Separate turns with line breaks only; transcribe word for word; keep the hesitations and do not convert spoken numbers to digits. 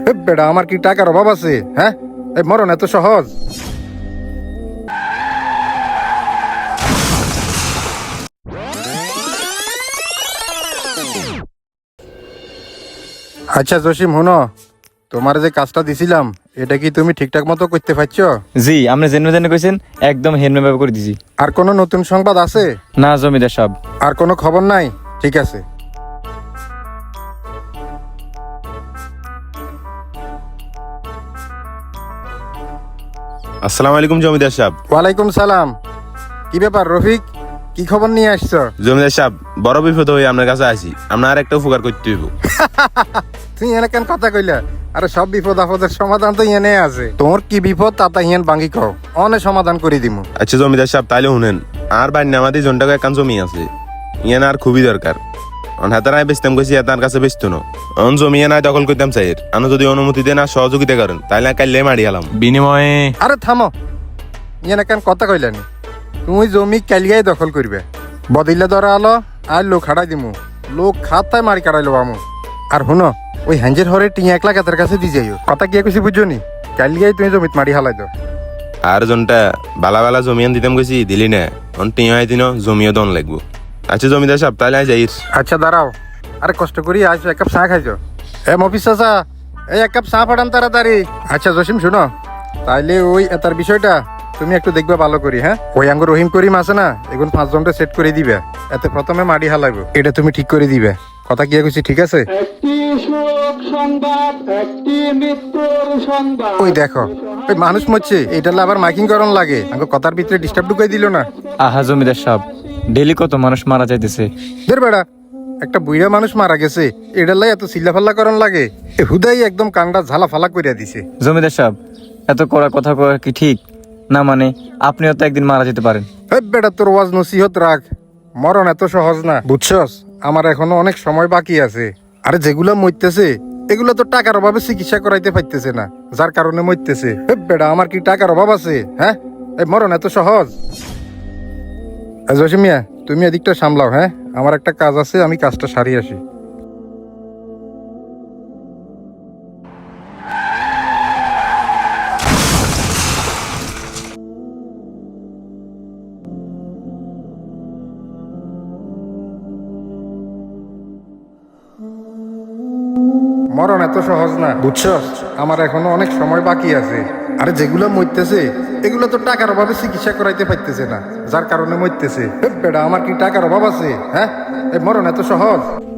এ বেটা, আমার কি টাকার অভাব আছে? হ্যাঁ, এই মরণ এত সহজ? আচ্ছা জসিম, হুনো, তোমার যে কাজটা দিছিলাম এটা কি তুমি ঠিকঠাক মতো করতে পারছো?
জি, আপনি জেনে জেনে কইছেন, একদম হেলমে ভাবে করে দিছি।
আর কোনো নতুন সংবাদ আছে?
না জমিদার সাহেব।
আর কোনো খবর নাই? ঠিক আছে।
আসসালামু আলাইকুম জমিদার সাহেব।
ওয়ালাইকুম সালাম। কি ব্যাপার রফিক, কি খবর নিয়ে আসছো?
জমিদার সাহেব, বড় বিপদ হয়ে আপনার কাছে আসি। আপনার আর একটা উপকার করতে হইব।
তুই এনে কেন কথা কইলা? আরে সব বিপদ আপদের সমাধান তো এনে আছে। তোমার কি বিপদ তা হিয়ান বাঙ্গি কও, অনে সমাধান করে দিমু।
আচ্ছা জমিদার সাহেব, তাইলে শুনেন, আর বাড়ি আমাদের জনটাকে একখান জমি আছে, ইয়ান আর খুবই দরকার। অন হাতারায় বেচতাম কইছি, তার কাছে বেচতো না। অন জমি নাই দখল করতাম চাইর, আনো যদি অনুমতি দেন আর সহযোগিতা করেন তাইলে কাইলে মারি গেলাম।
বিনিময়ে
আরে থামো, এনে কেন কথা কইলানি? তুমি জমি কালিয়াই দখল করবে, বদিলে ধরা আলো আর লোক হারাই দিমু। লোক খাতায় মারি কাটাইলো আমু। আর শুনো, ওই হ্যাঞ্জের হরে টিয়া এক লাখ এতের কাছে দি যাইও। কথা কি কইছি বুঝছো নি? কালিয়াই তুমি জমিত মারি হালাই দাও।
আর জনটা বালা বালা জমিয়ান দিতাম কইছি, দিলি না। অন টিয়া দিন জমিও দন লাগবো। আচ্ছা জমিদার সাহেব, তাইলে যাইস।
আচ্ছা দাঁড়াও, আরে কষ্ট করি আসো, এক কাপ চা খাইছো। এ মফিস চাচা, এই এক কাপ চা পাঠান তাড়াতাড়ি। আচ্ছা জসিম শুনো, তাইলে ওই এটার বিষয়টা তুমি একটু দেখবে ভালো করি। হ্যাঁ, ওই আঙ্গুর রহিম করিম আছে না, এগুন পাঁচজনটা সেট করে দিবে। এতে প্রথমে মাটি হালাইবো, এটা তুমি ঠিক করে দিবে। কথা কি কইছি ঠিক আছে?
একটি শোক সংবাদ, একটি মৃত্যুর সংবাদ।
ওই দেখো, ওই মানুষ মরছে, এটা আবার মাইকিং করন লাগে। আঙ্গুর কথার ভিতরে ডিস্টার্ব ঢুকাই দিল না।
আহা জমিদার সাহেব, ডেলি কত মানুষ মারা যাইতেছে।
দের বেড়া, একটা বুড়া মানুষ মারা গেছে, এটার লাই এত চিল্লা ফাল্লা করন লাগে? এ হুদাই একদম কান্ডা ঝালা ফালা করিয়া দিছে।
জমিদার সাহেব, এত কড়া কথা কয়া কি ঠিক না? মানে আপনিও তো একদিন মারা যেতে পারেন।
হেই বেটা, তোর ওয়াজ নসিহত রাখ। মরণ এত সহজ না, বুঝছস? আমার এখনো অনেক সময় বাকি আছে। আরে যেগুলা মরতেছে এগুলা তো টাকার অভাবে চিকিৎসা করাইতে পারতেছে না, যার কারণে মরতেছে। হেই বেটা, আমার কি টাকার অভাব আছে? হ্যাঁ, এই মরণ এত সহজ? এ জসিম মিয়া, তুমি এদিকটা সামলাও। হ্যাঁ, আমার একটা কাজ আছে, আমি কাজটা সারিয়ে আসি। মরণ এত সহজ না, বুঝছস? আমার এখনো অনেক সময় বাকি আছে। আরে যেগুলো মরতেছে এগুলো তো টাকার অভাবে চিকিৎসা করাইতে পারতেছে না, যার কারণে মরতেছে। হেই বেটা, আমার কি টাকার অভাব আছে? হ্যাঁ, এই মরণ এত সহজ?